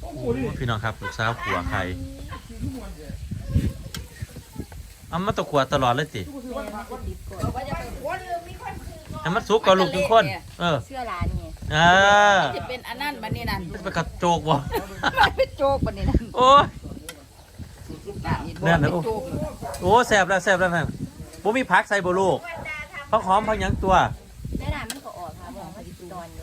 พี่น้องครับลูกสาวขัวไข่เอามาตะขัวตลอดเลยสิให้มันสุกกับลูกทุกคนเสื้อร้านนี่จะเป็นอันนั้นบันนี้นั่นเป็นกระโจกบ่เป็นโจกบันนี้นั่นโอ้ยเนี่ยนะโอ้แซ่บแล้วนั่นบ่มีผักใส่บ่ลูกผักหอมผักหยังตัวได้น้ำมันก็ออกค่ะบอกเขาดิตอนอยู่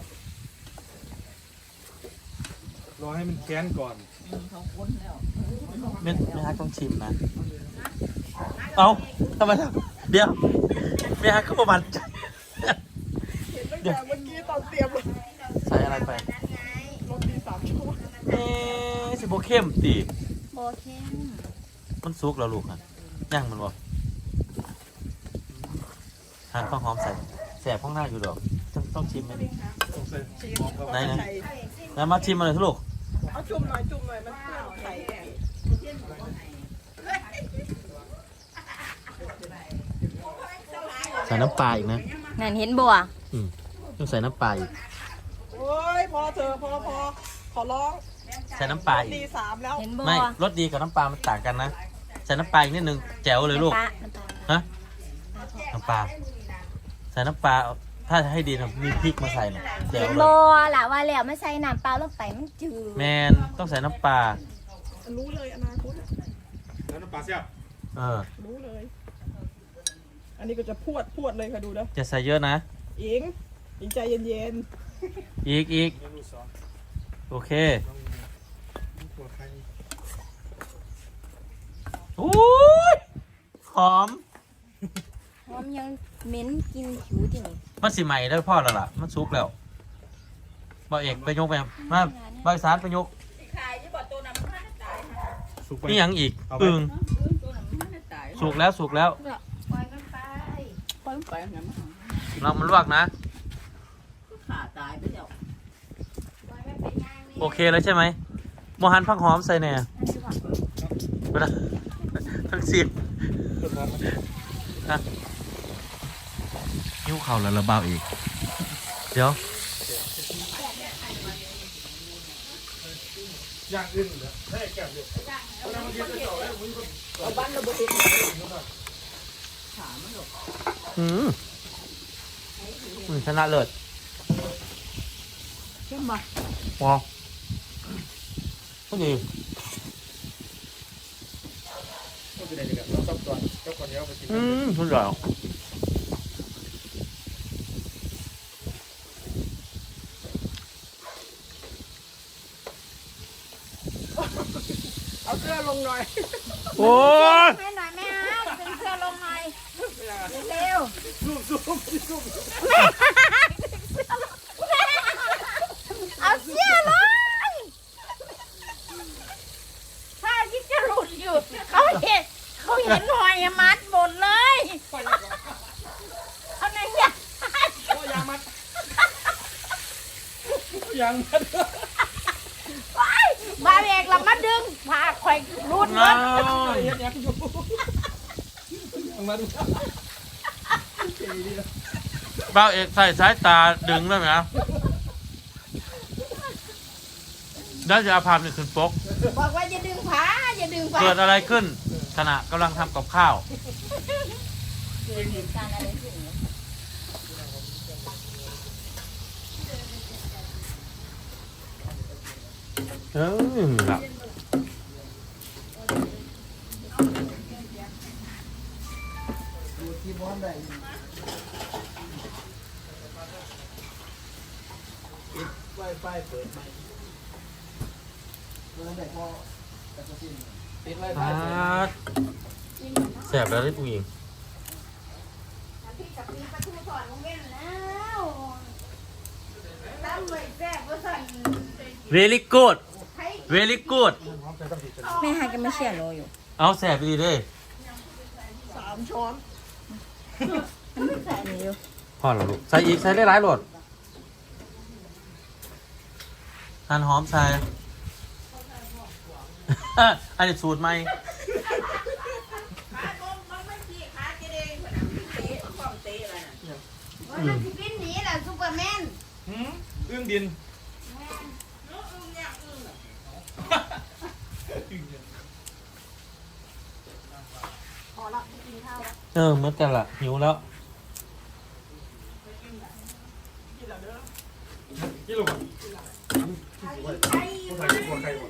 รอให้มันแค้นก่อนเขาค้นแล้วไม่ฮักต้องชิมนะเอาทำไมเดี๋ยวไม่ฮักก็ประมาณเดี๋ยวเมื่อกี้ตอนเตรียมใส่อะไรไปรสดี3 ชั่วโมงสิโบเข้มตีโบเข้มมันซุกแล้วลูกนะย่างมันบ่หั่นข้าวหอมใส่แสบข้างหน้าอยู่ดอกต้องชิมไหมไหนแล้วมาชิมมาเลยทุกลูกเอาจุ่มหน่อยมันเปื้อนไข่ใส่น้ำปลาอีกนะนั่นเห็นบัวต้องใส่น้ำปลาอีกโอ้ยพอเธอพอขอร้องใส่น้ำปลาอีกดี3แล้วไม่รสดีกับน้ำปลามันต่างกันนะใส่น้ำปลาอีกนิดนึงแจ๋วเลยลูกฮะน้ำปลาใส่น้ำปลาถ้าให้ดีนะมีพริกมาใส่หน่อยแจ๋วเลยบัวล่ะว่าแล้วไม่ใส่น้ำปลาลงไปมันจืดแมนต้องใส่น้ำปลารู้เลยอนาคตแล้วน้ำปลาเสียบรู้เลยอันนี้ก็จะพวดเลยค่ะดูนะจะใส่เยอะนะอิงใจเย็นอีกโอเคโอ้ยหอมยังเหม็นกินผิวจริงมันสิใหม่ได้พ่อแล้วล่ะมันซุกแล้วบ่เอกไปยกไปมาบ่สารไปยกนี่ยังอีกอึ่งสุกแล้วเรามันลวกนะโอเคแล้วใช่ไหมโมหันผักหอมใส่เนี่ยเวลาทั้งสิบนิ้วเข่าแล้วระเบาอีกเดี๋ยวย่างอื่นเหรอให้แก้วเดียวเอาบ้านเราบริสุทธิ์ชนะเลิศเข้มมาว้าวก็ดีสุดยอดเอาเสื้อลงหน่อยโอ้ยไม่หน่อยแม่ดึงเสื้อลงหน่อยเร็วเอาเสื้อลงผ้าที่จะหลุดอยู่เขาเห็นหอยมัดหมดเลยเอาไหนเนี่ยยางมัดบาเอกเรามาดึงผ้าไข่รูดเลยเบ้าเอกใส่สายตาดึงได้ไหมได้จะเอาภาพนี่ขึ้นปกบอกว่าอย่าดึงผ้าเกิดอะไรขึ้นขณะกำลังทำกับข้าวเกิดเหตุการณ์อะไรขึ้นครับไฟเปิดไหมแสบแล้วได้ผู้หญิงvery good แม่หากันไม่เชื่อโลอยู่เอาแสบดีเด้ 3 ช้อนใส่นี่อยู่พอแล้วลูกใส่อีกใส่ได้หลายโหลดหั่นหอมใส่อันนี้สูตรไหมมันจะบินหนีแหละซูเปอร์แมนอึ้งดินเหมือนกันล่ะหิวแล้วกี่โลครับต้องใส่หัวไก่ก่อน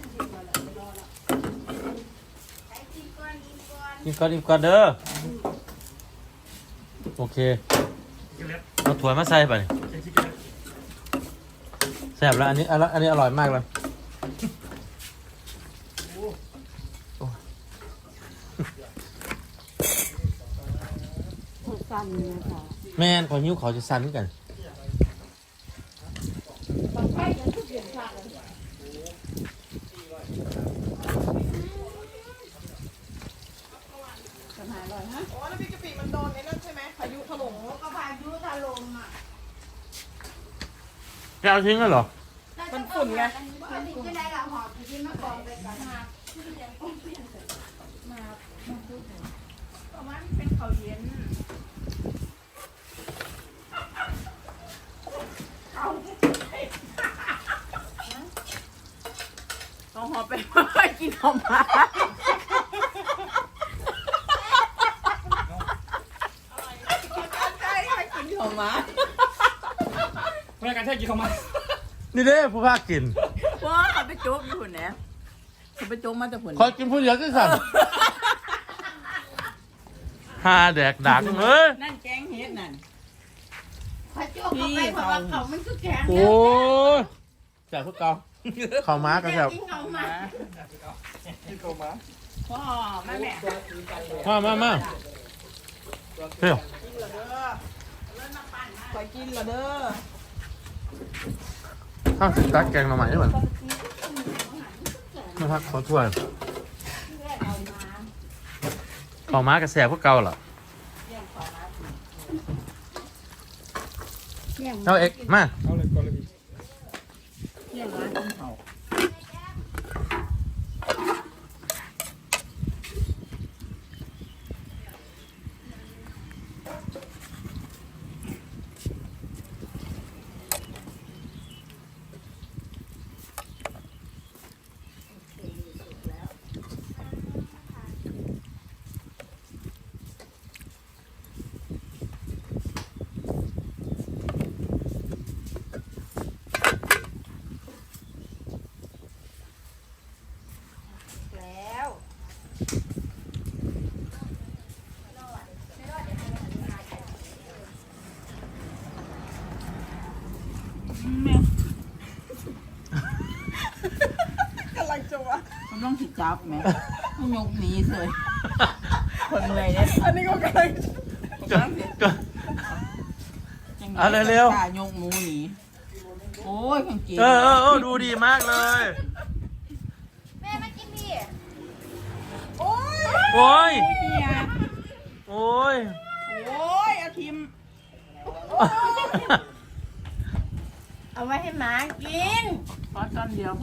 กินก่อนเด้อโอเคกินเล็ดเอาถั่วมาใส่ไปกินชิคเก้นแซ่บแล้วอันนี้อร่อยมากเลยสั่นนะคะแม่นขอหิ้วเขาจะสั่นกันบางไฟยังทุกอย่างค่ะปัญหาอร่อยฮะอ๋อแล้วพี่กะปิมันโดนไอ้นั่นใช่ไหมพายุถล่มก็พายุถล่มอ่ะแกเอาทิ้งแล้วเหรอมันฝุ่นไงมันติดที่ไหนล่ะหอบที่มากองไปกันมาที่เรียนต้องเปลี่ยนมาพูดถึงประมาณเป็นเขาเย็นเอาหอไปไม่กินหอมมาใช่ไม่กินหอมมาเพื่อนกันแค่กินเข้ามานี่เด้ผู้ภาคกินว้าเขาไปโจ๊กอยู่เนี่ยเขาไปโจ๊กมาแต่ผลคอยกินผู้เดียวที่สั่นฮาแดกดักเอ้ยนั่นแกงเฮ็ดนั่นพระโจกเข้าไปเพราะว่าเขามันคือแข็งโอ้ยแซ่บพวกเกาข้าวม้าก็แซ่บกินเขามากินเข้ามาพ่อแม่แม่มาเฮ้ยคอยกินละเด้อข้าวตักแกงมาใหม่ได้เหมือนนะครับขอถ้วยข้าวม้าก็แซ่บพวกเกาเหรอเอาเอกมาเอาเลยก่อนเลยพี่เที่ยงร้านกินเขาแล้วกำลังจะวะมันต้องสิจับไหมต้องยกหนีเลยคนเมื่อยเนี่ยอันนี้ก็กำลังก็จังเอาเร็วๆตายกหมูหนีโอ้ยกางเกงดูดีมากเลยแม่มากินดิโอ้ยโอ้ยเฮียโอ้ยโอ้ยอาทิมเอาไว้ให้หมากินขอตอนเดียว